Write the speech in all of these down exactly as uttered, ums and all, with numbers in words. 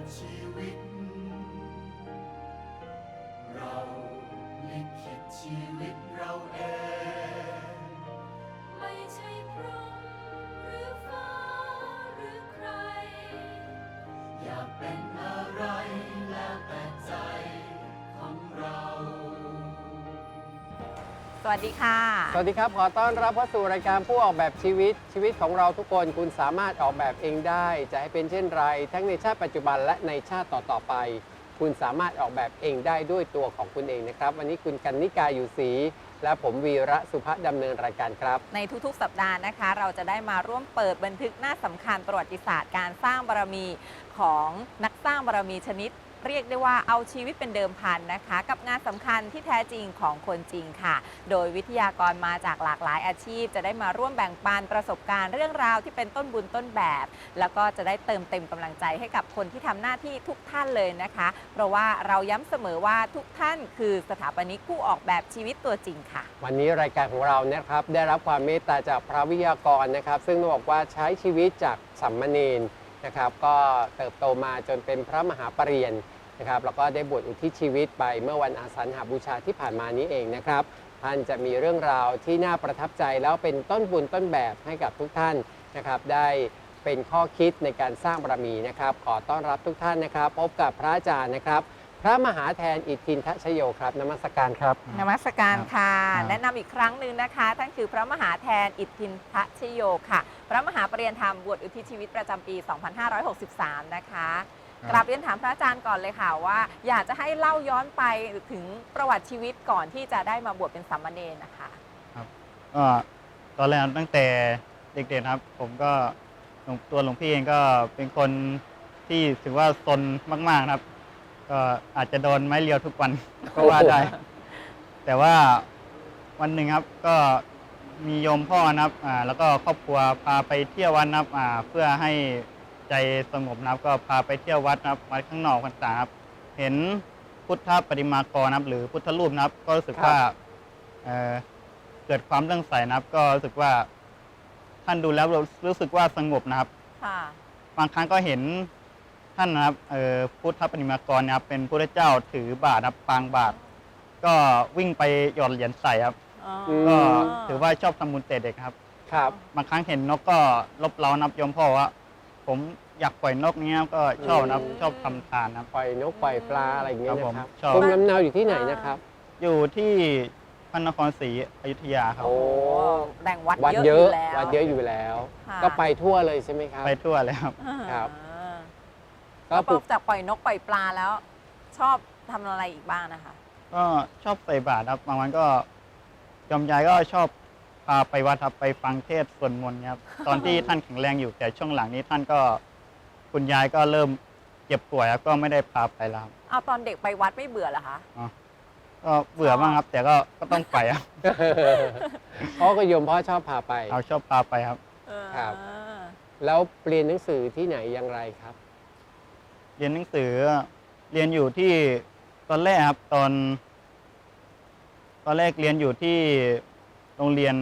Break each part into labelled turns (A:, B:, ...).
A: ชีวิตเราลิขิตชีวิตเราเองไม่ใช่พรหมหรือฟ้าหรือใครอยากเป็นอะไรแล้วแต่ใจของเรา
B: สวัสดีค่ะ
C: สวัสดีครับขอต้อนรับเข้าสู่รายการผู้ออกแบบชีวิตชีวิตของเราทุกคนคุณสามารถออกแบบเองได้จะให้เป็นเช่นไรทั้งในชาติปัจจุบันและในชาติต่อๆไปคุณสามารถออกแบบเองได้ด้วยตัวของคุณเองนะครับวันนี้คุณกันนิกาอยู่ศรีและผมวีระสุภดำเนินรายการครับ
B: ในทุกๆสัปดาห์นะคะเราจะได้มาร่วมเปิดบันทึกหน้าสำคัญประวัติศาสตร์การสร้างบารมีของนักสร้างบารมีชนิดเรียกได้ว่าเอาชีวิตเป็นเดิมพันนะคะกับงานสำคัญที่แท้จริงของคนจริงค่ะโดยวิทยากรมาจากหลากหลายอาชีพจะได้มาร่วมแบ่งปันประสบการณ์เรื่องราวที่เป็นต้นบุญต้นแบบแล้วก็จะได้เติมเต็มกำลังใจให้กับคนที่ทำหน้าที่ทุกท่านเลยนะคะเพราะว่าเราย้ำเสมอว่าทุกท่านคือสถาปนิกผู้ออกแบบชีวิตตัวจริงค่ะ
C: วันนี้รายการของเรานะครับได้รับความเมตตาจากพระวิทยากรนะครับซึ่งต้องบอกว่าใช้ชีวิตจากสัมมเนรนะครับก็เติบโตมาจนเป็นพระมหาปริญญานะครับแล้วก็ได้บวชอุทิศชีวิตไปเมื่อวันอาสาฬหบูชาที่ผ่านมานี้เองนะครับท่านจะมีเรื่องราวที่น่าประทับใจแล้วเป็นต้นบุญต้นแบบให้กับทุกท่านนะครับได้เป็นข้อคิดในการสร้างบารมีนะครับขอต้อนรับทุกท่านนะครับพบกับพระอาจารย์นะครับพระมหาแทนอิทธินทชโยครับนมัสการครับ
B: นมัสการค่ะแนะนำอีกครั้งหนึ่งนะคะท่านคือพระมหาแทนอิทธินทชโยค่ะพระมหาปริญญาธรรมบวชอุทิศชีวิตประจำปี สองพันห้าร้อยหกสิบสาม นะคะกราบเรียนถามพระอาจารย์ก่อนเลยค่ะว่าอยากจะให้เล่าย้อนไปถึงประวัติชีวิตก่อนที่จะได้มาบวชเป็นสามเณรนะคะ
D: ครับก็ตอนแรกตั้งแต่เด็กๆครับผมก็ตัวหลวงพี่เองก็เป็นคนที่ถือว่าซนมากๆครับก็อาจจะโดนไม้เรียวทุกวันก็ว่าได้ แต่ว่าวันหนึ่งครับก็มีโยมพ่อนะครับอ่าแล้วก็ครอบครัวพาไปเที่ยววัดนะครับอ่าเพื่อให้ใจสงบนะครับก็พาไปเที่ยววัดนะครับวัดข้างนอกต่างๆครับเห็นพุทธปฏิมากรนะครับหรือพุทธรูปนะครับก็รู้สึกว่าเอ่อเกิดความเลื่อมใสนะครับก็รู้สึกว่าท่านดูแล้วรู้สึกว่าสงบนะครับบางครั้งก็เห็นท่านนะครับเอ่อพุทธปฏิมากรนะครับเป็นพระเจ้าถือบาตรนะครับปางบาตรก็วิ่งไปหยอดเหรียญใส่ครับก็ถือว่าชอบทำบุญแต่เด็กครับ
C: ครับ
D: บางครั้งเห็นนกก็ลบเล้านับยมพ่อว่าผมอยากปล่อยนกนี้ก็ชอบนะชอบทำทานนะ
C: ปล่อยนกปล่อยปลาอะไรอย่างเงี้ยนะครับ
D: ภู
C: มิลำเนาอยู่ที่ไหนนะครับ
D: อยู่ที่พระนครศรีอยุธยาครับ
B: โอ้แบ่งวัด
C: เยอะ
B: วั
C: ดเยอะอยู่แล้วก็ไปทั่วเลยใช่ไหมครับ
D: ไปทั่วเลยครับ
B: ครับก็ปลูกจากปล่อยนกปล่อยปลาแล้วชอบทำอะไรอีกบ้างนะคะ
D: ก็ชอบใส่บาตรครับบางวันก็ยอมยายก็ชอบพาไปวัดครับไปฟังเทศน์สวดมนต์ครับตอนที่ท่านแข็งแรงอยู่แต่ช่วงหลังนี้ท่านก็คุณยายก็เริ่มเจ็บป่วยแล้วก็ไม่ได้พาไปแล้ว
B: เอาตอนเด็กไปวัดไม่เบื่อเหรอคะ
D: อ๋อก็เบื่อบ้างครับแต่ก็ก็ต้องไปครับ
C: เพราะก็โยมพ่อชอบพาไป
D: เอาชอบพาไปครับ
C: ครับแล้วเรียนหนังสือที่ไหนอย่างไรครับ
D: เรียนหนังสือเรียนอยู่ที่ตอนแรกครับตอนตอนแรกเรียนอยู่ที่โรงเรียน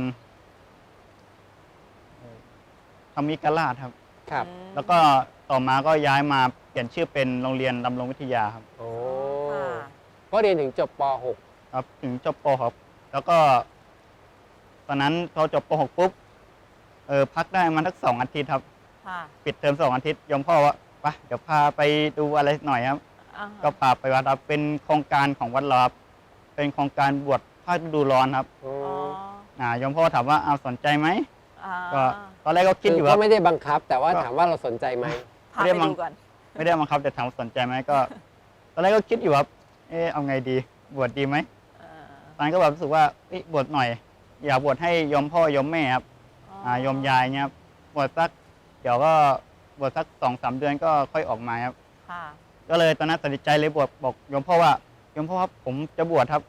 D: ธรรมิกราชครับ
C: ครับ
D: แล้วก็ต่อมาก็ย้ายมาเปลี่ยนชื่อเป็นโรงเรียนดำรงวิทยาครับ
C: โอ้ก็เรียนถึงจบป .หก
D: ครับถึงจบป .หก แล้วก็ตอนนั้นพอจบป .หก ปุ๊บเออพักได้มาสักสองอาทิตย์ครับปิดเทอมสองอาทิตย์ยมพ่อว่าไปเดี๋ยวพาไปดูอะไรหน่อยครับก็พาไปวัดครับเป็นโครงการของวัดเราครับเป็นโครงการบวชภาคฤดูร้อนครับอ่ายมพ่อถามว่าเอาสนใจไหมก็ตอนแรกก็คิดอยู่ว่า
C: ก็ไม่ได้บังคับแต่ว่าถามว่าเราสนใจไหม
B: ไม่ได้บังคับ
D: ไม่ได้บังคับแต่ถามสนใจไหมก็ตอนแรกก็คิดอยู่ว่าเออเอาไงดีบวชดีไหมตอนนั้นก็แบบรู้สึกว่าบวชหน่อยอยากบวชให้ยมพ่อยมแม่ครับยมยายเนี่ยบวชสักเดี๋ยวก็บวชสักสองสามเดือนก็ค่อยออกมาครับก็เลยตอนนั้นตัดสินใจเลยบวชบอกยมพ่อว่ายมพ่อครับผมจะบวชครับ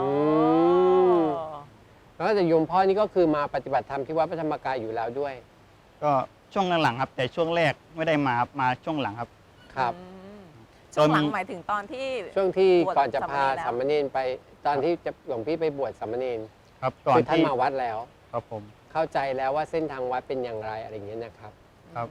C: แล้วแต่โยมพ่อนี่ก็คือมาปฏิบัติธรรมที่วัดพระธรรมกายอยู่แล้วด้วย
D: ก็ช่วงหลังๆครับแต่ช่วงแรกไม่ได้มามาช่วงหลังครับ
C: ครับ
B: ช่วงหลังหมายถึงตอนที่
C: ช่วงที่ก่อนจะพาสามเณรไปตอนที่จะหลวงพี่ไปบวชสามเณร
D: ครับก่อน
C: ที่ท่านมาวัดแล้ว
D: ครับผม
C: เข้าใจแล้วว่าเส้นทางวัดเป็นอย่างไรอะไรอย่างเงี้ยนะครับ
D: ครับ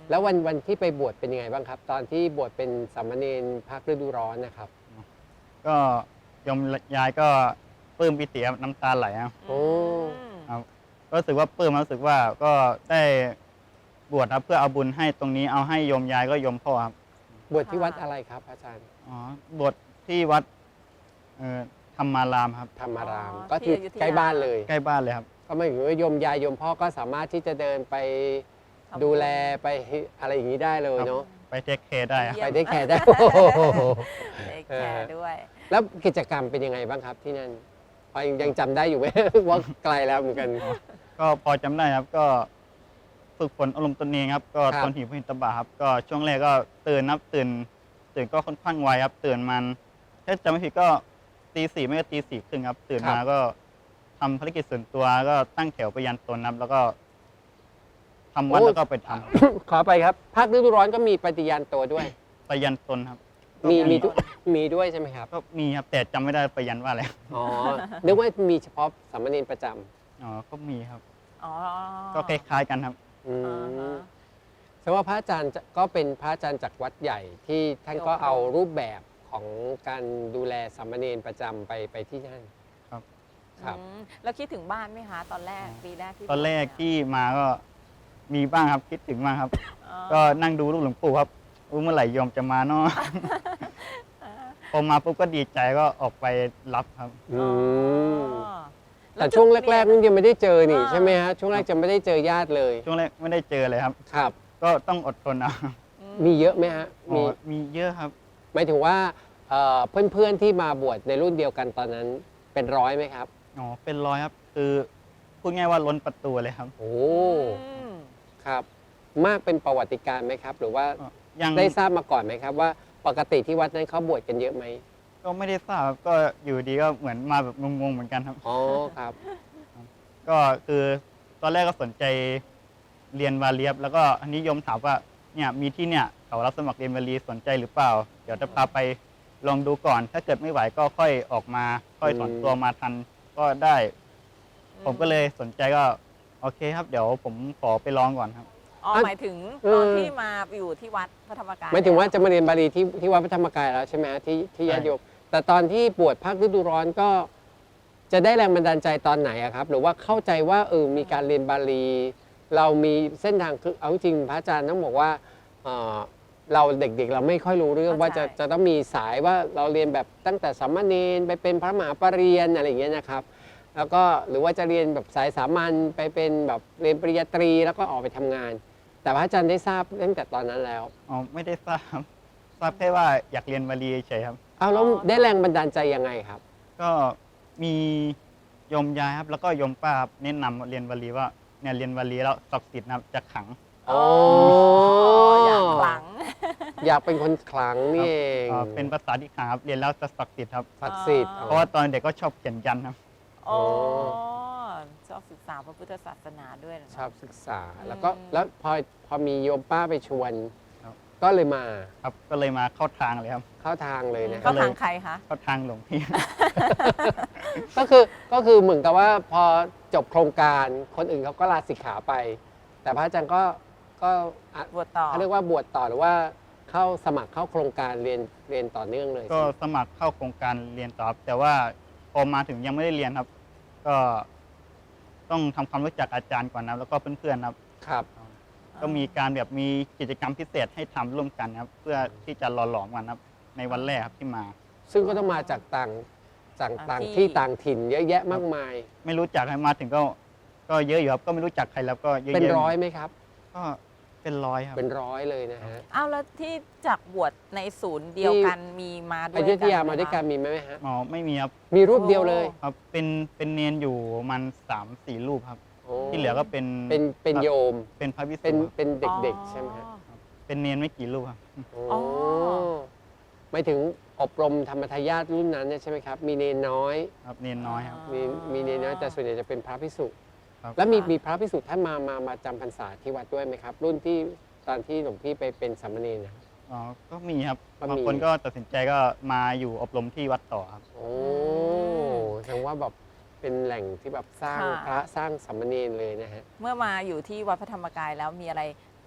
C: แล้ววันวันที่ไปบวชเป็นยังไงบ้างครับ ตอนที่บวชเป็นสามเณรภาคฤดูร้อนนะครับ
D: ก็โยมยายก็ปลื้มปิติครับน้ำตาไหลครับ
C: โอ้
D: ครับก็รู้สึกว่าปลื้มรู้สึกว่าก็ได้บวชครับเพื่อเอาบุญให้ตรงนี้เอาให้โยมยายก็โยมพ่อครับ
C: บวชที่วัดอะไรครับอาจารย์
D: อ๋อบวชที่วัดเอ่อธรรมารามครับ
C: ธรรมาราม
B: อ๋อ
C: ก็
B: ที่
C: ที่
B: อยุธยา
C: ใกล้บ้านเลย
D: ใกล้บ้านเลยครับ
C: ก็หมายถึงว่าโยมยายโยมพ่อก็สามารถที่จะเดินไป
B: ทำบุญ
C: ดูแลไปอะไรอย่างนี้ได้เลยเนาะ
D: ไปเทคเคร์ได้ครับ
B: เยี่
C: ไป
B: ยม
C: ได้แค่ได้ โอ้โห
B: เด็กแคร์ด้วย
C: แล้วกิจกรรมเป็นยังไงบ้างครับที่นั่นพอยังจำได้อยู่ไหม ว่าไกลแล้วเหมือนกัน
D: ก็พอจำได้ครับก็ฝึกฝนอารมณ์ตนเองครับ ก็
C: ครับ
D: ตนหิวพินตบะครับ ก็ช่วงแรกก็ตื่นนับตื่น ตื่นก็ค่อนข้างไวครับ ตื่นมันถ้าจำไม่ผิดก็ตีสี่ไม่ก็ตีสี่ครึ่งครับ ตื่นมาก็ทำภารกิจส่วนตัวก็ตั้งแถวไปยันตนครับ แล้วก็ทำวัดแล้วก็ไปทำ
C: ขอไปครับ ภาคฤดูร้อนก็มีปฏิญาณตัวด้วย
D: ไปยันตนครับ
C: มีมี
D: ก็
C: ทุกมีด้วยใช่ไหมครับ
D: ก็มีครับแต่จำไม่ได้ไปยันว่าอะไร
C: อ๋อ นึกว่ามีเฉพาะสามเณรประจ
D: อ๋อก็มีครับ
B: อ๋อ
D: ก็คล้ายๆกันครับ
C: ำอื
B: อ่าม ฮะ
C: แสดงว่าพระอาจารย์จะก็เป็นพระอาจารย์จากวัดใหญ่ที่ท่านก็เอารูปแบบของการดูแลสามเณรประจำไปไปที่นั่น
D: ครับ
C: ครับ
B: อืมแล้วคิดถึงบ้านไหมคะ ตอนแรกปีแรกที่
D: ตอนแรก
B: บวช
D: ที่มาก็มีบ้างครับคิดถึงบ้างครับ
B: อ๋อ
D: ก็นั่งดูรูปหลวงปู่ครับอู้เมื่อไหร่โยมจะมาเนาะ พอมาปุ๊บก็ดีใจก็ออกไปรับครับ
C: อืม
B: อ๋อ
C: แต่ช่วงแรกๆ
B: นี่
C: นี่ยังไม่ได้เจอนี่
B: อ่า
C: ใช่ไหมฮะช่วงแรกจะไม่ได้เจอญาติเลย
D: ช่วงแรกไม่ได้เจอเลยครับ
C: ครับ
D: ก็ต้องอดทนเอา
C: มีเยอะไหมฮะ
D: อ๋
C: มี
D: อมีเยอะครับ
C: หมายถึงว่าเอ่อเพื่อนๆที่มาบวชในรุ่นเดียวกันตอนนั้นเป็นร้อยไหมครับ
D: อ๋อเป็นร้อยครับ คือพูดง่ายว่าล้นประตูเลยครับ
C: โอ้
B: อืม
C: ครับ มากเป็นประวัติการณ์ไหมครับ หรือว่า
D: ก็ยัง
C: ได้ทราบมาก่อนไหมครับว่าปกติที่วัดนั้นเขาบวชกันเยอะไหม
D: ก็ไม่ได้ทราบครับก็อยู่ดีก็เหมือนมาแบบงงๆเหมือนกันครับ
C: อ๋อครับ
D: ก็คือตอนแรกก็สนใจเรียนวาเลียบแล้วก็นิยมถามว่าเนี่ยมีที่เนี่ยเขารับสมัครเรียนวาลีสนใจหรือเปล่า เดี๋ยวจะพาไปลองดูก่อน ถ้าเกิดไม่ไหวก็ค่อยออกมาค่อยถอนตัวมาทันก็ได้ ผมก็เลยสนใจก็โอเคครับ เดี๋ยวผมขอไปลองก่อนครับ
B: อ๋อ
C: อ่ะ
B: หมายถึง
C: เออ
B: ตอนที่มาอยู่ที่วัดพระธรรมกาย
C: หมายถึงว่า
B: แล้ว
C: จะมาเรียนบาลีที่ที่วัดพระธรรมกายแล้วใช่ไหมฮะที่ที่
D: ใช่
C: ญาติโยมแต่ตอนที่บวชภาคฤดูร้อนก็จะได้แรงบันดาลใจตอนไหนอะครับ หรือว่าเข้าใจว่าเออมีการเรียนบาลี เรามีเส้นทางคือเอาจริงพระอาจารย์ต้องบอกว่าเอ่อเราเด็กๆ เราไม่ค่อยรู้เรื่องว่าจะจะต้องมีสายว่าเราเรียนแบบตั้งแต่สามเณรไปเป็นพระมหาปรริญญาอะไรอย่างเงี้ยนะครับ แล้วก็หรือว่าจะเรียนแบบสายสามัญไปเป็นแบบเรียนปริญญาตรีแล้วก็ออกไปทำงาน แต่พระอาจารย์ได้ทราบตั้งแต่ตอนนั้นแล้ว
D: อ๋อไม่ได้ทราบครับทราบแค่ว่าอยากเรียนวาลีเฉยๆครับ
C: เอาแล้วได้แรงบันดาลใจยังไงครับ
D: ก็มีโยมยายครับ แล้วก็โยมป้าครับแนะนำเรียนวาลีว่าเนี่ยเรียนวาลีแล้วศักดิ์สิทธิ์นะครับจะขลัง
C: อ๋อ
B: อยากหลัง
C: อยากเป็นคนขลังนี่เอง
D: เอ่อเป็นภาษาที่ขลังครับเรียนแล้วจะศักดิ์สิทธิ์ครับ
C: ศักดิ์สิทธิ์
B: อ๋อ
D: เพราะว่าตอนเด็กก็ชอบเขียนยันครับ
B: อ๋อชอบศึกษาพระพุทธศาสนาด้วยนะ
C: ชอบศึกษา แล้วก็
B: อืม
C: แล้วพอพอมีโยมป้าไปชวน
D: ครับ
C: ก็เลยมา
D: ครับก็เลยมาเข้าทางเลยครับ
C: เข้าทางเลยนะค
B: ก็
C: รับ
B: ทางใครคะ
D: เข้าทางหลวงพี่
C: ก็คือก็คือเหมือนกับว่าพอจบโครงการคนอื่นเขาก็ลาสิกขาไป แต่พระอาจารย์ก็ก็อ่ะ
B: บวชต่อ
C: เขาเรียกว่าบวชต่อหรือว่าเข้าสมัครเข้าโครงการเรียนเรียนต่อเนื่องเลย
D: ก็สมัครเข้าโครงการเรียนต่อครับแต่ว่าพอมาถึงยังไม่ได้เรียนครับ ก็ต้องทำความรู้จักอาจารย์ก่อนนะแล้วก็เพื่อนๆครับ
C: ครับ
D: ก็มีการแบบมีกิจกรรมพิเศษให้ทำร่วมกันครับ เพื่อที่จะหล่อหลอมกันครับ ในวันแรกครับที่มา
C: ซึ่งก็ต้องมาจากต่างจากต่าง
B: ที่
C: ที่ต่างถิ่นเยอะแยะมากมาย
D: ไม่รู้จักใครมาถึงก็ก็เยอะอยู่ครับก็ไม่รู้จักใครแล้วก็เยอะๆ
C: เป็นร้อยไหมครับ
D: ก็เป็นร้อยครับ
C: เป็นร้อยเลยนะฮะ
B: อ้าวแล้วที่จากบวชในศูนย์เดียวกันมีมาด้ว
C: อย ยุธยา
B: ไห
C: มาด้วยกัน
B: คะ
C: มีไหมฮะ
D: อ๋อไม่มีครับ
C: มีรูปเดียวเลย
D: ครับเป็นเป็นเนนอยู่มันสามสี่รูปครับ
C: โอ้
D: ที่เหลือก็เป็น
C: เป็นเป็นโยม
D: เป็นพระวิสุ
C: เป็น
D: ครับ
C: เป็นเด็กๆ ใช่ไหมฮะ
D: เป็นเนนไม่กี่รูปครับ
C: โอ้หมายถึงอบรมธรรมทายาทรุ่นนั้นเนี่ยใช่ไหมครับ มีเนนน้อย
D: ครับเนนน้อยครับ
C: มีมีเนนน้อยแต่ส่วนใหญ่จะเป็นพระภิกษุ
D: ครับ
C: แล้วมีมีพระภิกษุท่านมามามาจำพรรษาที่วัดด้วยไหมครับ รุ่นที่ตอนที่หลวงพี่ไปเป็นสามเณรนะครับ
D: อ๋อก็มีครับ
C: ก็มี
D: บางคนก็ตัดสินใจก็มาอยู่อบรมที่วัดต่อครับ
C: โอ้แสดงว่าแบบเป็นแหล่งที่แบบสร้าง
B: ค่ะ
C: พระสร้างสามเณรเลยนะฮะ
B: เมื่อมาอยู่ที่วัดพระธรรมกายแล้วมีอะไร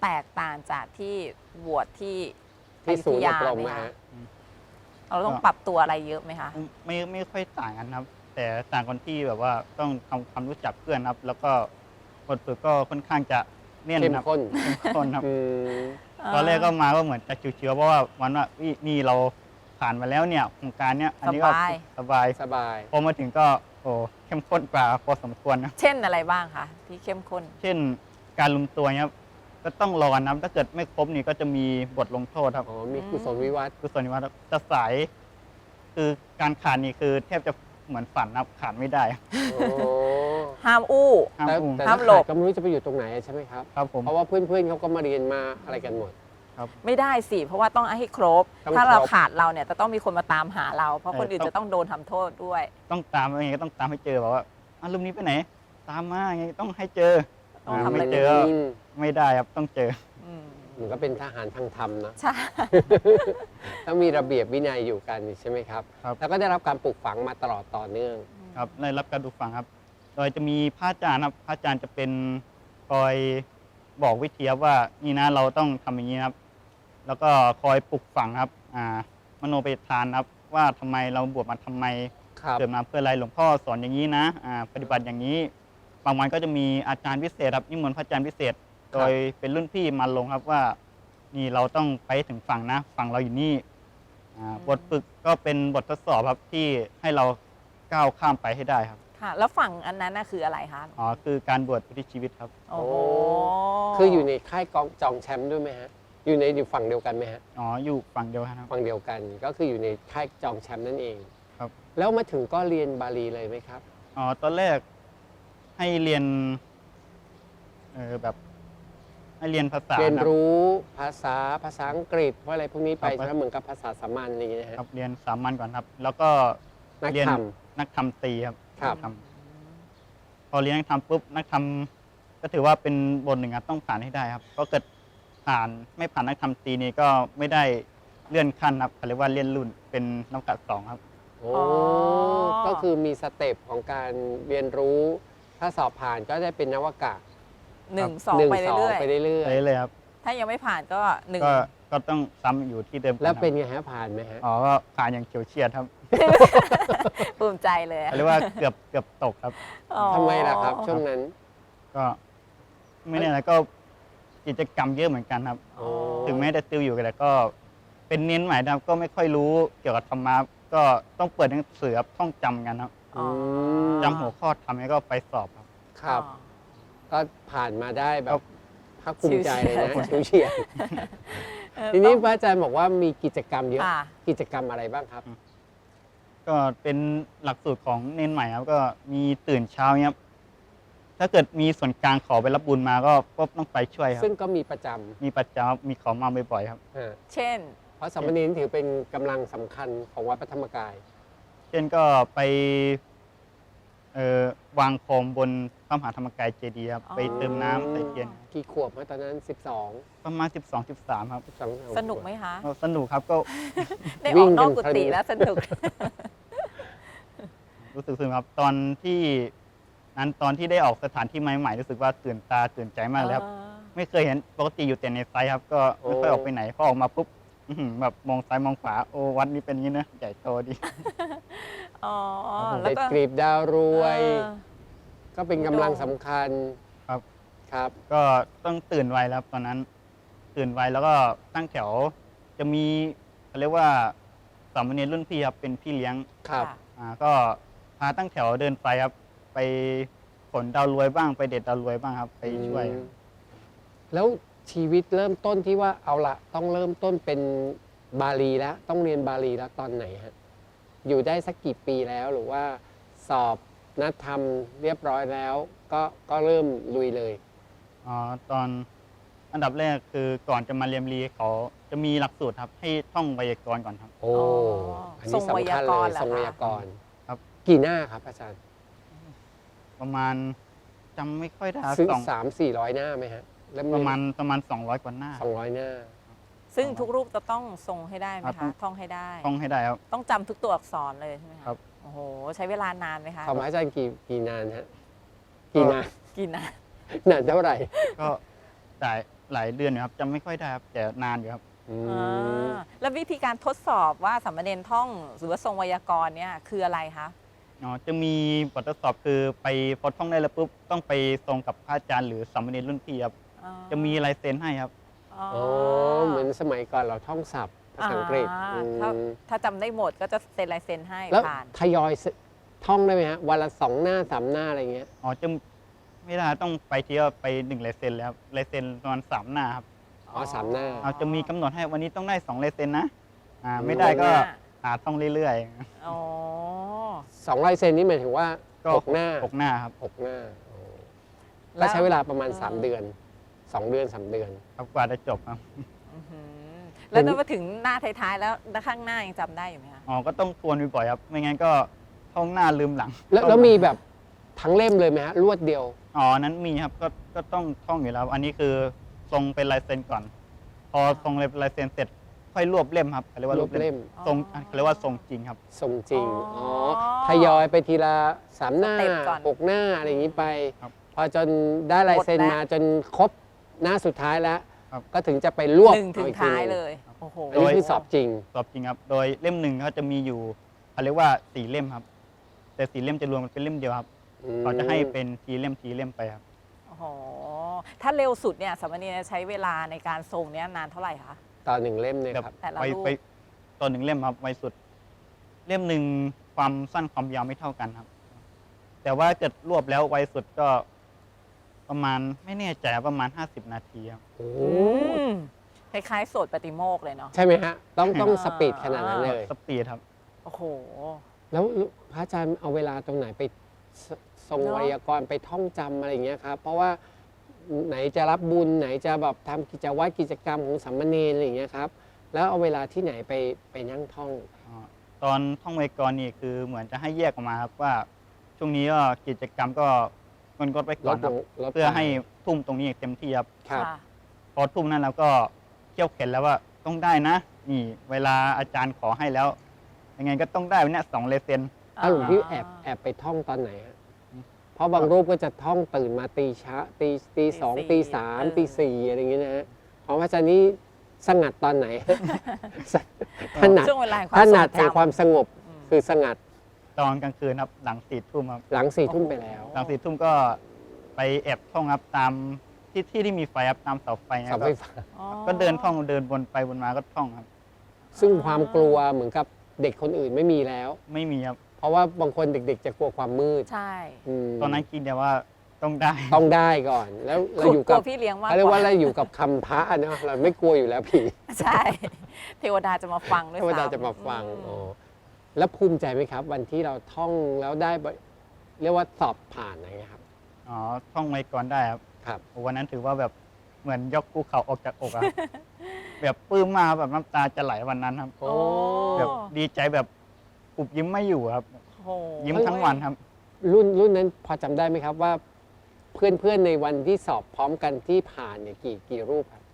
B: แตกต่างจากที่บวชที่
C: ที่ศูนย์อบรม
B: ไหม
C: นะ
B: คะ
C: ฮะ
B: เราต้องปรับตัวอะไรเยอะไหมคะ
D: ไม่ไม่ค่อยต่างกันครับ แต่ต่างกันที่แบบว่าต้องทำความรู้จักเพื่อนครับ แล้วก็บทฝึกก็ค่อนข้างจะเนียน
C: เข้ม
D: ครับ
C: ข้น
D: เข้มข้นครับ
C: อืม
D: ตอนแรกก็มาก็เหมือนจะชิวๆเพราะว่าวันว่าอุ๊ยนี่เราผ่านมาแล้วเนี่ยโครงการเนี้ยอันนี้ก็
B: สบาย
D: สบาย
C: สบาย
D: พอมาถึงก็โอ้เข้มข้นกว่าพอสมควรนะ
B: เช่นอะไรบ้างคะที่เข้มข้น
D: เช่นการลุมตัวเนี่ยครับก็ต้องรอนะถ้าเกิดไม่ครบนี่ก็จะมีบทลงโทษครับ
C: อ๋อ มีกุศลวิวัฒน์
D: คือส่วนนี้ว่าจะสาย คือการขาดนี่คือแทบจะเหมือนฝันนะครับขาดไม่ได้
C: โอ้
B: ห้ามอู้
D: ห้าม
C: แต่
D: อุ้ม
C: แต่
B: ห้า
C: ถ้าม
B: หล
C: ขาด
B: บ
C: ก็ไม่รู้จะไปอยู่ตรงไหนใช่ไหมครับ
D: ครับผม
C: เพราะว่าเพื่อนๆเขาก็มาเรียนมาอะไรกันหมด
B: ไม่ได้สิ เพราะว่าต้องให้ครบ
C: ต้อง
B: ถ้าเรา
C: ครบ
B: ขาดเราเนี่ยจะต้องมีคนมาตามหาเรา เพราะ
D: เออ
B: คนอื่น
D: ต้อง
B: จะต้องโดนทำโทษด้วย
D: ต้องตามยังไงก็ต้องตามให้เจอแบบว่าอ่ะรูปนี้ไปไหน ตามมาไงต้องให้เจอ
B: ต้อง
D: อ่า
B: ทำอะไร
D: ไม่เจอ
C: อืม
D: ไม่ได้ครับต้องเจอ
B: อืม
C: เหมือนก็เป็นทหารทางธรรมนะ
B: ใช่
C: ต้องมีระเบียบวินัยอยู่กันใช่ไหมครับ
D: ครับ
C: แล้วก็ได้รับการปลูกฝังมาตลอดต่อเนื่อง
D: ครับได้รับการดูฟังครับ โดยจะมีพระอาจารย์ครับพระอาจารย์จะเป็นคอยบอกวิธีครับว่านี่นะเราต้องทำอย่างนี้นะครับ แล้วก็คอยปลุกฝังครับอ่ามโนไปทานครับว่าทำไมเราบวชมาทำไม
C: ครับ
D: เกิดมาเพื่ออะไรหลวงพ่อสอนอย่างนี้นะอ่าปฏิบัติอย่างนี้ บางวันก็จะมีอาจารย์พิเศษครับนิมนต์พระอาจารย์พิเศษ โดยเป็นรุ่นพี่มาลงครับว่า นี่เราต้องไปถึงฝั่งนะฝั่งเราอยู่นี่อ่าบทฝึกก็เป็นบททดสอบครับที่ให้เราก้าวข้ามไปให้ได้ครับ
B: ค่ะ แล้วฝั่งอันนั้นน่ะคืออะไรคะ
D: อ๋อคือการบวชอุทิศชีวิตครับ
B: โอ้โห
C: คืออยู่ในค่ายกองจองแชมป์ด้วยไหมฮะ อยู่ในอยู่ฝั่งเดียวกันไหมฮะ
D: อ๋ออยู่ฝั่งเดียวกันครับ
C: ฝั่งเดียวกัน ก็คืออยู่ในค่ายจองแชมป์นั่นเอง
D: ครับ
C: แล้วมาถึงก็เรียนบาลีเลยไหมครับ
D: อ๋อตอนแรกให้เรียนเออแบบ ให้เรียนภาษา
C: เรียน
D: ครับ
C: รู้ภาษาภาษาอังกฤษว่าอะไรพวกนี้ไป
D: ครับ
C: ใช่ไหมเหมือนกับภาษาสามัญอะไรอย่างเงี้ยนะฮะ
D: ครับเรียนสามัญก่อนครับ แล้วก็
C: นัก
D: เรียน
C: ธรรม
D: นักธรรมตรีครับ
C: ครับ
D: นักธรรมพอเรียนนักธรรมปุ๊บนักธรรมก็ถือว่าเป็นบทหนึ่งครับต้องผ่านให้ได้ครับเพราะเกิดผ่านไม่ผ่านนักธรรมตรีนี่ก็ไม่ได้เลื่อนขั้นครับเขาเรียกว่าเลื่อนรุ่นเป็นนักกัดสองครับ
C: โอ้ก็คือมีสเต็ปของการเรียนรู้ ถ้าสอบผ่านก็ได้เป็นนวากะ
B: หนึ่งสอง
C: หนึ่ง
B: ไป
C: สอง
B: เรื่อย
C: ไปเรื่อย
D: ไปเลยครับ
B: ๆถ้ายังไม่ผ่านก็หนึ่ง
D: ก็ก็ต้องซ้ำอยู่ที่เดิม
C: ๆ แล้วเป็น
D: ครับ
C: ไงฮะผ่านไหมฮะ
D: อ๋อก็ผ่านอย่างเฉียวเฉียดครับ
B: ภูมิใจเลย
D: เขาเรียกว่าเกือบเกือบตกครับ
B: อ๋อ
C: ทำไมล่ะครับ ช่วงนั้น
D: ก็ไม่แน่นะก็กิจกรรมเยอะเหมือนกันครับ
C: โอ้
D: ถึงแม้จะติวอยู่แต่ก็เป็นเน้นใหม่นะครับก็ไม่ค่อยรู้เกี่ยวกับธรรมะก็ต้องเปิดหนังสือครับท่องจำกันครับ
B: อ๋อ
D: จำหัวข้อทำแล้วก็ไปสอบครับ
C: ครับ
B: อ๋อ
C: ก็ผ่านมาได้แบ
D: ครับ บ
C: ภาคภูมิใจเลยนะ
B: ชิวๆ
C: ชิวเฉียด
B: เออ
C: ทีนี้
B: ต้อง
C: พระอาจารย์บอกว่ามีกิจกรรมเยอะ
B: ค่ะ
C: กิจกรรมอะไรบ้างครับ
D: ก็เป็นหลักสูตรของเน้นใหม่ครับก็มีตื่นเช้าเนี่ยครับถ้าเกิดมีส่วนกลางขอไปรับบุญมาก็ก็ต้องไปช่วยครับ
C: ซึ่งก็มีประจ
D: มีประจำมีขอมาบ่อยๆครับ
C: ำอ่า
B: เช่น
C: เพราะสามเณรถือเป็นกำลังสำคัญของวัดพระธรรมกาย
D: เช่นก็ไปเอ่อวางโคมบนพระมหาธรรมกายเจดีย์ครับ
B: อ๋อ
D: ไปเติมน้ำใส่เทียน
C: กี่ขวบฮะตอนนั้น สิบสอง
D: ประมาณสิบสองสิบสามครับ
C: สิบสอง
B: สนุกไหมคะ
D: ก็สนุกครับก็
B: ได้
C: วิ่
B: ออง กนอก
C: กัน
B: กุ
C: เพลิน
B: ฏิแล้วสนุก
D: รู้สึกสนุกครับตอนที่นั้นตอนที่ได้ออกสถานที่ใหม่ๆรู้สึกว่าตื่นตาตื่นใจมากเลยครับ ไม่เคยเห็นปกติอยู่แต่ในไซต์ครับ ก็ไม่ค่อยออกไปไหนพอออกมาปุ๊บอื้อหือแบบมองซ้ายมองขวาโอ้วัดนี้เป็นอย่างนี้นะใหญ่โตดี
B: อ๋อ
C: เด็ด
B: แล้วก็
C: กรีบดาวรวย
B: เออ
C: ก็เป็นกำลังสำคัญ
D: ครับ
C: ครับ
D: ก็ต้องตื่นไวแล้วครับตอนนั้น ตื่นไวแล้วก็ตั้งแถวจะมีเขาเรียกว่าสามเณรรุ่นพี่ครับเป็นพี่เลี้ยง
C: ครับ
B: ค่ะ
D: อ่าก็พาตั้งแถวเดินไปครับ ไปขนดาวรวยบ้างไปเด็ดดาวรวยบ้างครับ ไปช่วย
C: อืมแล้วชีวิตเริ่มต้นที่ว่าเอาละต้องเริ่มต้นเป็นบาลีแล้ว ต้องเรียนบาลีแล้วตอนไหนฮะ อยู่ได้สักกี่ปีแล้วหรือว่าสอบนัดทำเรียบร้อยแล้ว ก็ก็เริ่มลุยเลย
D: อ๋อตอนอันดับแรกคือก่อนจะมาเรียนรีเขาจะมีหลักสูตรครับ ให้ท่องไวยากรณ์ก่อนครับ
C: โอ้
B: อ๋ออั
C: อันนี้สำคัญ
B: ทรงไวยาก
C: เล
B: ร
C: ย
B: ณ์เหรอ
C: ทรงไว
B: คะ
C: ยากรณ์
D: ครับ
C: กี่หน้าครับอาจารย์
D: ประมาณจำไม่ค่อยได้ครับ
C: ซึ่ง
D: สอง
C: สามสี่ร้อยหน้าไหมฮะแล้ว
D: ประมาณประมาณสองร้อยกว่าหน้า
C: สองร้อยหน้า
B: ซึ่งทุกรูปจะต้องทรงให้ได้ไหม
D: ครั
B: คะ
D: บ
B: ท่องให้ได้
D: ท่องให้ได้ครับ
B: ต้องจำทุกตัวอักษรเลยใช่ไหมคะ
D: ครับ
B: โอ้โห ใช้เวลานานไหมคะ
C: ของพระอาจารย์กี่กี่นานฮะ กี่นาน
B: กี่นาน
C: นานเท่าไหร่
D: ก็จ่ายหลายเดือนอยู่ครับจำไม่ค่อยได้ครับแต่นานอยู่ครับ
C: อื
B: อ่
C: มา
B: แล้ววิธีการทดสอบว่าสามเณรท่องหรือว่าทรงไวยากรณ์เนี่ยคืออะไรคะ
D: อ๋อจะมีบททดสอบคือไปพอท่องได้แล้วปุ๊บต้องไปทรงกับพระอาจารย์หรือสามเณรรุ่นพี่ครับ
B: อ๋อ
D: จะมีลายเซ็นให้ครับ
B: อ๋อ
C: อ๋อเหมือนสมัยก่อนเราท่องศัพท์ภาษาอังกฤษ
B: อ่า
C: อืม
B: ถ้าถ้าจำได้หมดก็จะเซ็นลายเซ็นให้
C: แล้ว
B: ผ่าน
C: ทยอยท่องได้ไหมฮะวันละสองหน้าสามหน้าอะไรเงี้ย
D: อ๋อจะไม่ได้ต้องไปเที่ยวไปหนึ่งลายเซ็นแล้วครับลายเซ็นประมาณสามหน้าครับ
C: อ๋อสามหน้า
D: เอาจะมีกำหนดให้วันนี้ต้องได้สองลายเซ็นนะอ่าไม่ได้ก็หาท่องเรื่อย
B: อ๋อ
C: สองลายเซ็นนี่หมายถึงว่า
D: ๆก็
C: หกหน้า
D: หกหน้าครับ
C: หกหน้าอ๋อ
B: แล้
C: ก็
B: ว
C: ใช้เวลาประมาณ
B: เออ
C: สามเดือนสองเดือนสามเดือน
D: ครับกว่าจะจบครับ
B: อื้อหือแล้วถ้ามาถึงหน้าท้ายๆแล้วด้านข้างหน้ายังจำได้อยู่ไหมคะ
D: อ๋อก็ต้องทวนบ่อยๆครับไม่งั้นก็ท่องหน้าลืมหลัง
C: แล้วแล้วมีแบบทั้งเล่มเลยไหมฮะรวดเดียว
D: อ๋อนั้นมีครับก็ก็ต้องท่องอยู่แล้ว อันนี้คือทรงเป็นลายเซ็นก่อน พอทรงเป็นลายเซ็นเสร็จค่อยรวบเล่มครับเขาเรียกว่าร ร
C: วบเล่ม
D: ทรงเขาเรียกว่าทรงจริงครับ
C: ทรงจริง
B: อ๋
C: อ๋
B: อ
C: อทยอยไปทีละสามหน้า
B: สเต็ปก่อน
C: หกหน้าอะไรอย่างนี้ไป
D: ครับ
C: พอจนได้ลายเซ็น
B: หมดแล้ว
C: มาจนครบหน้าสุดท้ายแล้ว
D: ครับ
C: ก็ถึงจะไปรวบ
B: หนึ่งถึง
C: ออีกที
B: ท้าย
C: หนึ่ง
B: เลยโอ้โห
C: อันนี้คือสอบจริง
D: สอบจริงครับ โดยเล่มหนึ่งเขาจะมีอยู่เขาเรียกว่าสี่เล่มครับ แต่สี่เล่มจะรวมกันเป็นเล่มเดียวครับ
C: อืม
D: เขาจะให้เป็นทีเล่มทีเล่มไปครับ
B: โอ้โหถ้าเร็วสุดเนี่ยสามเณรใช้เวลาในการทรงเนี่ยนานเท่าไหร่คะ
C: ตอนหนึ่งเล่มเนี่ย
D: แบบ
C: ครับ
B: แต่ละ
D: ไป
B: รูป
D: ไปตอนหนึ่งเล่มครับไวสุด เล่มหนึ่งความสั้นความยาวไม่เท่ากันครับ แต่ว่าเกิดรวบแล้วไวสุดก็ประมาณไม่แน่ใจครับประมาณ ห้าสิบ นาทีครับ
C: โอ้
B: อืมคล้ายๆโสดปฏิโมกข์เลยเนาะ
C: ใช่ไหมฮะ ต้องต้อง
B: อ่า
C: สปีดขนาดนั้นเลย
D: สปีดครับ
B: โอ้โห
C: แล้วพระอาจารย์เอาเวลาตรงไหนไปสทรง
B: เนอะ
C: ไวยากรณ์ไปท่องจำอะไรอย่างเงี้ยครับ เพราะว่าไหนจะรับบุญไหนจะแบบทำกิจวัตรกิจกรรมของสามเณรอะไรอย่างเงี้ยครับ แล้วเอาเวลาที่ไหนไปไปนั่งท่อง
D: อ๋อตอนท่องไวยากรณ์นี่คือเหมือนจะให้แยกออกมาครับว่า ช่วงนี้ก็กิจกรรมก็งดงดไว้
C: ล
D: ก่อน
C: ด
D: ค
C: ล
D: รับ
C: งลด
D: เพื่อ
C: ไป
D: ให้ทุ่มตรงนี้เต็มที่ครับ
C: ครับ
B: ค่ะ
D: พอทุ่มนั้นเราก็เขี่ยวเข็นแล้วว่าต้องได้นะ นี่เวลาอาจารย์ขอให้แล้ว ยังไงก็ต้องได้วันเนี้ยสองเลเซน
C: อ้าวหลวงพี่แอบแอบไปท่องตอนไหนฮะเพราะบางรูปก็จะท่องตื่นมาตีช้าตีตีสองตีสามตีสี่อะไรอย่างเงี้ยนะฮะของพระอาจารย์นี้สงัดตอนไหน ถนัด
B: ช่วงเวลาแห่งค
C: ถ
B: วามทร
C: นัด
B: ง
C: แห่งความ
B: จำ
C: สงบ
B: อืม
C: คือสงัด
D: ตอนกลางคืนครับหลังสี่ทุ่มครับ
C: หลังสี่ทุ่มไปแล้ว
D: หลังสี่ทุ่มก็ไปแอบท่องครับตามที่ที่ที่มีไฟครับตามเสาไฟนะ
C: เสา
D: ครั
C: ไฟ
D: บ
C: ฟ้า
B: อ๋อ
D: ก็เดินท่องเดินวนไปวนมาก็ท่องครับ
C: ซึ่งความกลัวเหมือนกับเด็กคนอื่นไม่มีแล้ว
D: ไม่มีครับ
C: เพราะว่าบางคนเด็กๆ จะกลัวความมืด
B: ใช่
C: อืม
D: ตอนนั้นคิดแต่ว่าต้องได้
C: ต้องได้ก่อน แล้วเราอยู่
B: ก
C: กั
B: ลั
C: บ
B: วพี่เลี้ยงมาก
C: เขาเรียก
B: ก
C: ว่า
B: ว่า
C: เราอยู่กับคำพระเนาะเราไม่กลัวอยู่แล้วผี
B: ใช่ เทวดาจะมาฟังด้วย
C: เทวดา
B: ซ้ำ
C: จะมาฟัง
B: อืม
C: อ๋อแล้วภูมิใจไหมครับ วันที่เราท่องแล้วได้บเรียกว่าสอบผ่านอะไรเงี้ยครับ
D: อ๋อท่องไว้ก่อนได้ครับ
C: ครับ
D: วันนั้นถือว่าแบบเหมือนยกภูเขาออกจากอกอะ ครับ แบบปลื้มมากแบบน้ำตาจะไหลวันนั้นครับ
C: โอ้
D: แบบดีใจแบบปุบยิ้มไม่อยู่ครับ
B: โอ้โห
D: ยิ้มทั้งวันครับ
C: รุ่นรุ่นนั้นพอจำได้ไหมครับว่าเพื่อนเพื่อนๆในวันที่สอบพร้อมกันที่ผ่านเนี่ยกี่กี่รูปครับ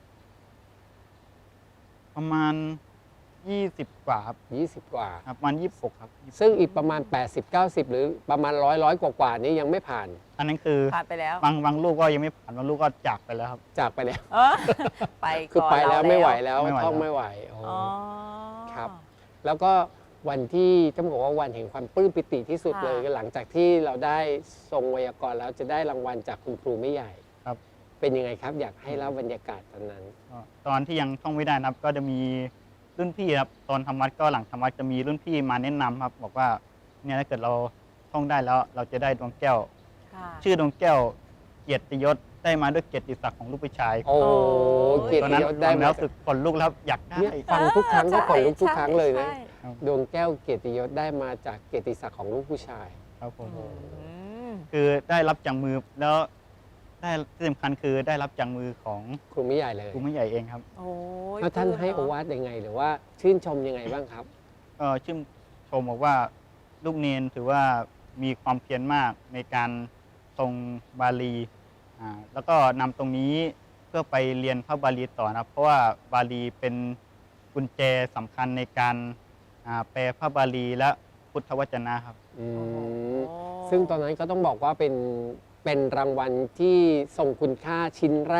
D: ประมาณยี่สิบกว่าครับ
C: ยี่สิบกว่า
D: ครับประมาณยี่สิบหกครับ
C: ซึ่งอีกประมาณ แปดสิบ เก้าสิบ หรือประมาณร้อยร้อยกว่ากว่าๆนี้ยังไม่ผ่าน
D: อันนั้นคือ
B: ผ่านไปแล้ว
D: บางบางลูกก็ยังไม่ผ่านบางลูกก็จากไปแล้วครับ
C: จากไปแล้ว
B: เออไป
C: คือ
B: ก่อน
C: ไปแล้ว
B: เรา
C: ไม่ไหวแล้ว
D: ไม่ไหว
C: ท่อง
D: แล้ว
C: ไม่ไหวอ๋อ
B: อ๋อ
C: ครับ แล้วก็วันที่ต้องบอกว่าวันแห่งความปลื้มปิติที่สุด
B: ค่ะ
C: เลยก็หลังจากที่เราได้ทรงไวยากรณ์แล้วจะได้รางวัลจากคุณครูไม่ใหญ่
D: ครับ
C: เป็นยังไงครับ อยากให้เล่าบรรยากาศตอนนั้น
D: ก็ตอนที่ยังท่องไม่ได้นะครับ ก็จะมีรุ่นพี่ครับตอนทำวัดก็หลังทำวัดจะมีรุ่นพี่มาแนะนำครับ บอกว่าเนี่ยถ้าเกิดเราท่องได้แล้ว เราจะได้ดวงแก้ว
B: ค่ะ
D: ชื่อดวงแก้วเกียรติยศได้มาด้วยเกียรติศักดิ์ของลูกผู้ชาย
C: โอ้
B: โอ้
C: เกียร
D: ตอน
C: ติ
D: นั้น
C: ยศได้
D: ฟัง
C: มา
D: แล้วรู้สึกขนลุกแล้วอยากได้
C: เนี่ยฟังทุกครั้งก็ขนลุกทุกครั้งเลยนะ
B: ใช่
C: ดวงแก้วเกียรติยศได้มาจากเกียรติศักดิ์ของลูกผู้ชาย
D: ครับผม
B: อืม
D: คือได้รับจากมือแล้วได้ที่สำคัญคือได้รับจากมือของ
C: ครูไม่ใหญ่เลย
D: ครูไม่ใหญ่เองครับ
B: โอ้ย
C: แล้วท่าน
B: ปลื้ม
C: ให้โอ
B: เะ
C: วาทยังไง หรือว่าชื่นชมยังไงบ้างครับ
D: ก็ชื่นชมบอกว่าลูกเนนถือว่ามีความเพียรมากในการทรงบาลีอ่าแล้วก็นำตรงนี้เพื่อไปเรียนพระบาลีต่อนะครับ เพราะว่าบาลีเป็นกุญแจสำคัญในการอ่าแปลพระบาลีและพุทธวจนะครับ
C: อื
B: โอ้โห
C: ม ซึ่งตอนนั้นก็ต้องบอกว่าเป็นเป็นรางวัลที่ทรงคุณค่าชิ้นแรก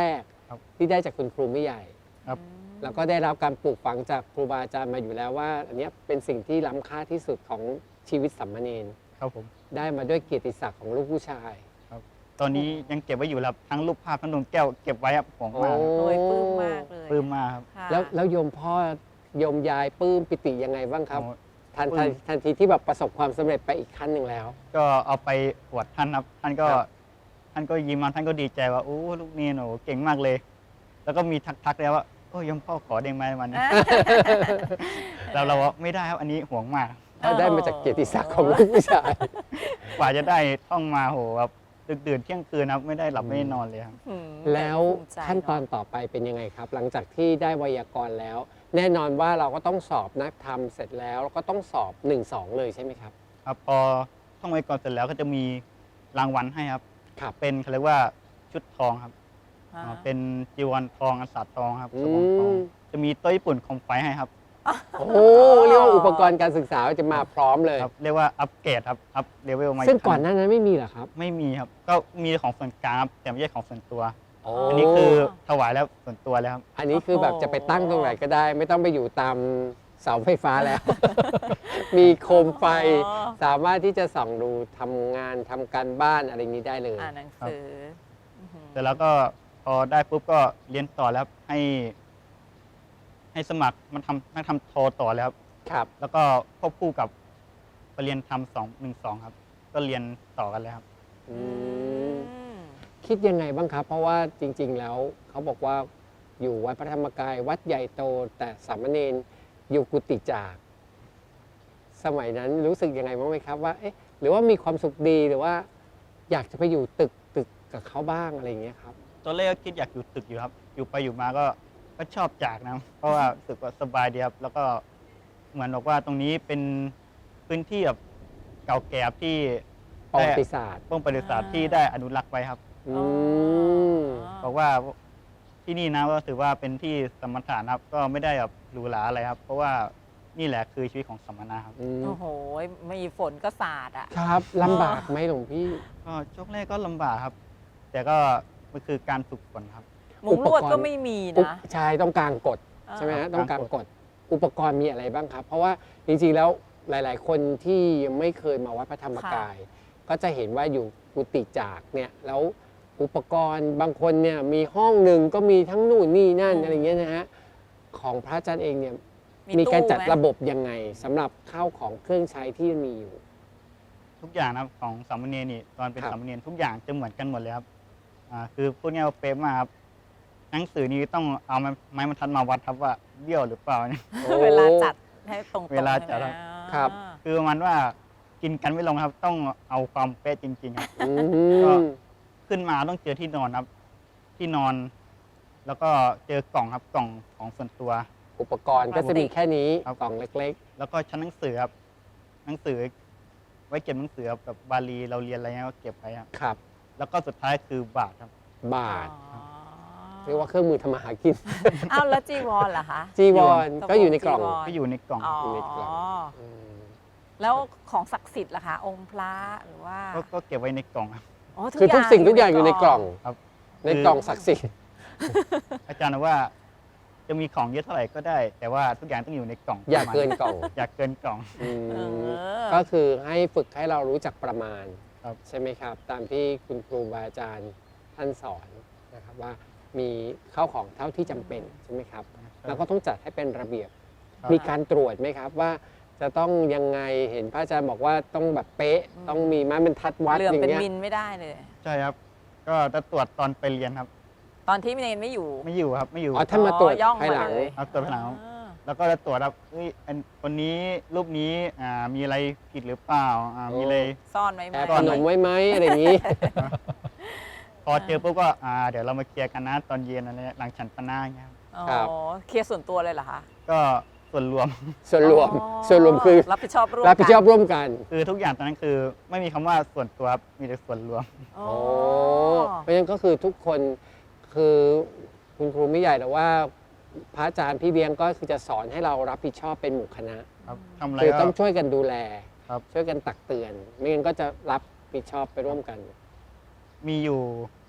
D: ครับ
C: ที่ได้จากคุณครูไม่ใหญ่
D: ครับ
C: แล้วก็ได้รับการปลูกฝังจากครูบาอาจารย์มาอยู่แล้วว่า อันเนี้ยเป็นสิ่งที่ล้ำค่าที่สุดของชีวิตสามเณร
D: ครับผม
C: ได้มาด้วยเกียรติศักดิ์ของลูกผู้ชาย
D: ตอนนี้ยังเก็บไว้อยู่ครับทั้งรูปภาพทั้งดวงแก้วเก็บไว้ครับห่วงมาก
C: โอ้
B: โดยปลื้มมากเลย
D: ปลื้มมากครับ
B: ค่ะ
C: แล้วแล้วโยมพ่อโยมยายปลื้มปิติยังไงบ้างครับ
D: โอ้
C: ทัน
D: ปลื้
C: ทัน
D: ม
C: ทันทีที่แบบประสบความสำเร็จไปอีกขั้นหนึ่งแล้ว
D: ก็เอาไปอวดท่านครับท่านก็
C: ครับ
D: ท่านก็ยิ้มมาท่านก็ดีใจว่าโอ้ลูกนี่หนูเก่งมากเลย แล้วก็มีทักๆแล้วว่าโอ้ยมพ่อขอเด้งไหมวันนี้เราเราว่าไม่ได้ครับอันนี้ห่วงมาก
C: เขาได้มาจากเกียรติศักดิ์ของลูกผู้ชาย
D: กว่าจะได้ท่องมาโหแบบดึกดื่นเที่ยงคืนครับไม่ได้หลับไม่ได้นอนเลยครับ
B: อืม
C: แล้ว
B: ภูมิใจ
C: ขั้นตอน
B: เะ
C: ต่อไปเป็นยังไงครับ หลังจากที่ได้ไวยากรณ์แล้ว แน่นอนว่าเราก็ต้องสอบนักธรรมเสร็จแล้วแล้วก็ต้องสอบหนึ่งสองเลยใช่ไหมครับ
D: ครับพอท่องไว้ก่อนเสร็จแล้วก็จะมีรางวัลให้ครับ
C: ครับ
D: เป็นเขาเรียกว่าชุดทองครับ
B: อ่า
D: อ่าเป็นจีวรทองอัสสัตทองครับ
C: อื
D: สบงทอง
C: ม
D: จะมีโต๊ะญี่ปุ่นคอมไฟให้ครับ
C: โอ้โหเรียกว่าอุปกรณ์การศึกษาจะมาพร้อมเลย
D: ครับเรียกว่าอัปเกรดครับอัปเลเวลมา
C: ซึ่ง
D: ขั้
C: ก่อนหน้านั้นไม่มีเหรอครับ
D: ไม่มีครับ ก็มีของส่วนกลางครับแต่ไม่ใช่ของส่วนตัว
C: โอ้
D: อันนี้คือถวายแล้วส่วนตัวแล้วครับ
C: อันนี้คือแบบจะไปตั้งตรงไหนก็ได้ ไม่ต้องไปอยู่ตามเสาไฟฟ้าแล้ว มีโคมไฟ
B: อ๋อ
C: สามารถที่จะส่องดูทำงานทำการบ้านอะไรนี้ได้เลย
B: อ่านหนังสืออื้อหือ
D: เสร็จแล้วก็พอได้ปุ๊บก็เรียนต่อแล้วครับให้ ให้สมัครมันทำนักทำโทต่อแล้วครับ
C: ครับ
D: แล้วก็ควบคู่กับไปเรียนทำสองหนึ่งสองครับ ก็เรียนต่อกันแล้วครับ
C: อื
B: อื
C: ม
B: ม
C: คิดยังไงบ้างครับ เพราะว่าจริง ๆ แล้วเขาบอกว่าอยู่วัดพระธรรมกาย วัดใหญ่โต แต่สามเณรอยู่กุฏิจาก สมัยนั้นรู้สึกยังไงบ้างไหมครับว่าเอ๊ะหรือว่ามีความสุขดีหรือว่า อยากจะไปอยู่ตึกตึกกับเขาบ้างอะไรอย่างเงี้ยครับ
D: ตอนแรกก็คิดอยากอยู่ตึกอยู่ครับ อยู่ไปอยู่มาก็ก็ชอบจากนะ เพราะว่ารู้สึกว่าสบายดีครับ แล้วก็เหมือนบอกว่าตรงนี้เป็นพื้นที่แบบเก่าแก่ที่
C: ประ
D: ได้
C: วัติศาสตร์
D: ป้องประวัติศาสตร์ที่ได้อนุรักษ์ไว้ครับ
C: อืม
D: บอกว่าที่นี่นะก็ถือว่าเป็นที่สมถะนะครับ ก็ไม่ได้แบบหรูหราอะไรครับ เพราะว่านี่แหละคือชีวิตของสมณะครับ
C: อืม
B: โอ้โหมีฝนก็สาดอ่ะ
C: ครับลำบากไหมหลวงพี่
D: ก็ช่วงแรกก็ลำบากครับ แต่ก็มันคือการฝึกฝนครับ
B: มุ้งลวดก็ไม่มี
C: อุป
B: นะ
C: ใช่ต้องกลางกฎ
B: อ่า
C: ใช่ไหมฮะ
D: ครับ
C: ต้องกลางกฎอุปกรณ์มีอะไรบ้างครับ เพราะว่าจริงๆแล้วหลาย ๆ คนที่ยังไม่เคยมาวัดพระธรรมกาย ก็จะเห็นว่าอยู่กุฏิจากเนี่ยแล้วอุปกรณ์บางคนเนี่ยมีห้องหนึ่งก็มีทั้งนู่นนี่นั่นอะไรเงี้ยนะฮะของพระอาจารย์เองเนี่ยมีการจัดระบบยังไงสำหรับข้าวของเครื่องใช้ที่มีอยู่
D: ทุกอย่างนะครับของสามเณรนี่ตอนเป็น
C: ครับ
D: สามเณรทุกอย่างจะเหมือนกันหมดเลยครับอ่าคือพูดง่ายๆว่าเป๊ะมากครับหนังสือนี้ต้องเอาไม้ไม้บรรทัดมาวัดครับว่าเบี้ยวหรือเปล่าเนี่ย
B: เวลาจัดให้ตรงๆ
D: เวลาจัด
B: ใช่ไหม
C: ครับ
B: อ่า
D: คือประมาณว่ากินกันไม่ลงครับ ต้องเอาความเป๊ะจริงๆครับ
C: อื
D: ก็
C: ม
D: ขึ้นมาต้องเจอที่นอนครับ ที่นอน แล้วก็เจอกล่องครับกล่องของส่วนตัว
C: อุปกรณ์ก็จะมีแค่นี้
D: ครับ
C: กล่องเล็ก
D: แล้วก็ชั้นหนังสือครับหนังสือ ไว้เก็บหนังสือครับแบบบาลีเราเรียนอะไรเงี้ยก็เก็บไว้ครับ
C: ๆ ครับ
D: แล้วก็สุดท้ายคือบาทครับ
C: บาท
B: อ๋อ
C: เรียกว่าเครื่องมือทำมาหากิน
B: อ้าวแล้วจีวรล่ะคะ
C: จีวรก็อยู่ในกล่อง
B: จีวร
D: ก็อยู่ในกล่อง
B: อ๋อ
C: อยู่ในกล่อง ม
B: แล้วของศักดิ์สิทธิ์ล่ะคะ องค์พระหรือว่า
D: ก็ก็เก็บไว้ในกล่องครับ
B: อ๋อ
C: คือทุกสิ่งทุกอย่างอยู่ในกล่อง
D: ครับ
C: ในกล่องศักดิ์สิทธิ์
D: อาจารย์บอกว่า จะมีของเยอะเท่าไหร่ก็ได้ แต่ว่าทุกอย่างต้องอยู่ในกล่อง
C: อย่า
D: ประมณ
C: เกินกล่อง
D: อย่าเกินกล่อง
C: อืม
B: เออ
C: ก็คือให้ฝึกให้เรารู้จักประมาณ
D: ครับ
C: ใช่ไหมครับ ตามที่คุณครูบาอาจารย์ท่านสอนนะครับว่ามีข้าวของเท่าที่จำเป็นใช่ไหมครับ แล้วก็ต้องจัดให้เป็นระเบียบ
D: ครับ
C: มีการตรวจไหมครับว่าจะต้องยังไงเห็นพระอาจารย์บอกว่าต้องแบบเป๊ะ
B: อืม
C: ต้องมีไม้บรรทัดวัด
B: เหลื่อม
C: อย่าง
B: เป็น
C: เงี้ย
B: มิลไม่ได้เลย
D: ใช่ครับ ก็จะตรวจตอนไปเรียนครับ
B: ตอนที่เนนไม่อยู่
D: ไม่อยู่ครับ ไม่อยู่
C: อ๋อท่านมาตรวจ
B: อ๋อย่อง
C: ภายหลัง
B: มาเลย
D: ครับตรวจภายหลัง
B: อ่า
D: แล้วก็จะตรวจครับเฮ้ยอันคนนี้รูปนี้อ่ามีอะไรผิดหรือเปล่าอ่ามีอะไร
B: ซ่อนไว้ไหม
C: แอบขนมไว้ไหมอะไรอย่างนี้
D: พอเจอปุ๊บก็อ่าเดี๋ยวเรามาเคลียร์กันนะตอนเย็นอะไรเงี้ยหลังฉันปนาเงี้ยครับ
B: อ๋อ
C: ครับ
B: เคลียร์ส่วนตัวเลยเหรอคะ
D: ก็ส่วนรวม
C: ส่วนรวม
B: อ๋อ
C: ส่วนรวมคือ
B: รับผิดชอบร่วม
C: รับผิดชอบ
B: กัน
C: ร่วมกัน
D: คือทุกอย่างตอนนั้นคือไม่มีคำว่าส่วนตัวครับมีแต่ส่วนรวม
B: อ๋อ
C: โอ้เพราะฉะนั้นก็คือทุกคนคือคุณครูไม่ใหญ่แต่ว่าพระอาจารย์พี่เลี้ยงก็คือจะสอนให้เรารับผิดชอบเป็นหมู่คณะ
D: ครับทำอะไร
C: คือ
D: ก็
C: ต้องช่วยกันดูแล
D: ครับ
C: ช่วยกันตักเตือน ไม่งั้นก็จะรับผิดชอบไปร่วมกัน
D: มีอยู่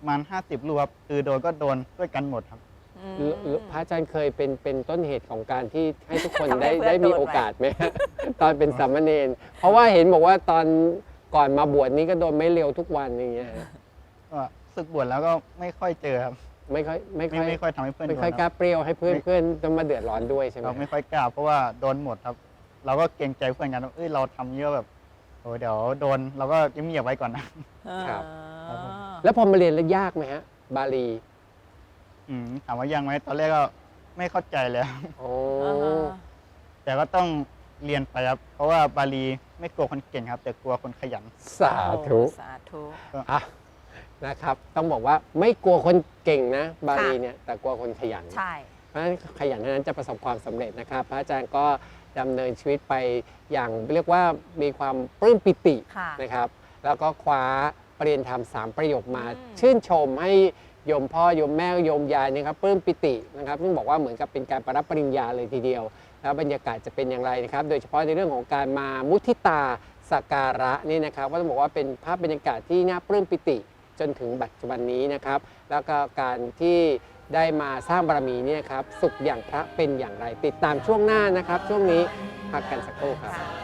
D: ประมาณห้าสิบรูปครับคือโดนก็โดนด้วยกันหมดครับ
B: อืม
C: หรือหรือพระอาจารย์เคยเป็นเป็นต้นเหตุของการที่ให้ทุกคน
B: ทำให้
C: ได้
B: เพื่อน
C: ได้มี
B: โดนไหม
C: โอกาสไหม ตอนเป็นสามเณรเพราะว่าเห็นบอกว่าตอนก่อนมาบวชนี้ก็โดนไม่เร็วทุกวันอย่างเงี้ยฮะ
D: ก็ศึกบวชแล้วก็ไม่ค่อยเจอครับ
C: ไม่ค่อยไม่ค่
D: ไม่
C: อย
D: ไม่ค่อยทำให้เพื่อน
C: ไม่ค่อย
D: โดน
C: กล้า
D: รับ
C: เปรี้ยวให้เพื่อน
D: ไม่
C: เพื่อนต้องมาเดือดร้อนด้วยใช่ไหม
D: เราไม่ค่อยกล้าเพราะว่าโดนหมดครับ เราก็เกรงใจเพื่อนกันว่าเอ้ยเราทำเยอะแบบโอ้เดี๋ยวโดนเราก็เงียบๆไว้ก่อนนะ
C: ครับ
B: อ่า
C: แล้วพอมาเรียนแล้วยากไหมฮะ บาลี
D: อืมถามว่ายังไหมตอนแรกก็ไม่เข้าใจเลยครับ
C: โอ้
B: อ่าฮะ
D: แต่ก็ต้องเรียนไปครับเพราะว่าบาลีไม่กลัวคนเก่งครับ แต่กลัวคนขยัน
C: สาธุ
B: โอ้สาธุ
C: อ่ะนะครับ ต้องบอกว่าไม่กลัวคนเก่งนะ บาลีเนี่ยแต่กลัวคนขยัน
B: ใช่
C: เพราะฉะนั้นขยันเท่านั้นจะประสบความสำเร็จนะครับ พระอาจารย์ก็ดำเนินชีวิตไปอย่างเรียกว่ามีความปลื้มปิติ
B: ค่ะ
C: นะครับ แล้วก็คว้าปริญญาธรรมสามประโยคมา
B: อืม
C: ชื่นชมให้โยมพ่อโยมแม่โยมยายนะครับปลื้มปิตินะครับซึ่งบอกว่าเหมือนกับเป็นการประรับปริญญาเลยทีเดียว แล้วบรรยากาศจะเป็นอย่างไรนะครับ โดยเฉพาะในเรื่องของการมามุทิตาสักการะนี่นะครับก็ต้องบอกว่าเป็นภาพบรรยากาศที่น่าปลื้มปิติจนถึงปัจจุบันนี้นะครับ แล้วก็การที่ได้มาสร้างบารมีเนี่ยครับสุขอย่างพระเป็นอย่างไร ติดตามช่วงหน้านะครับ ช่วงนี้พักกันสักครู่ครับ
B: ค่ะ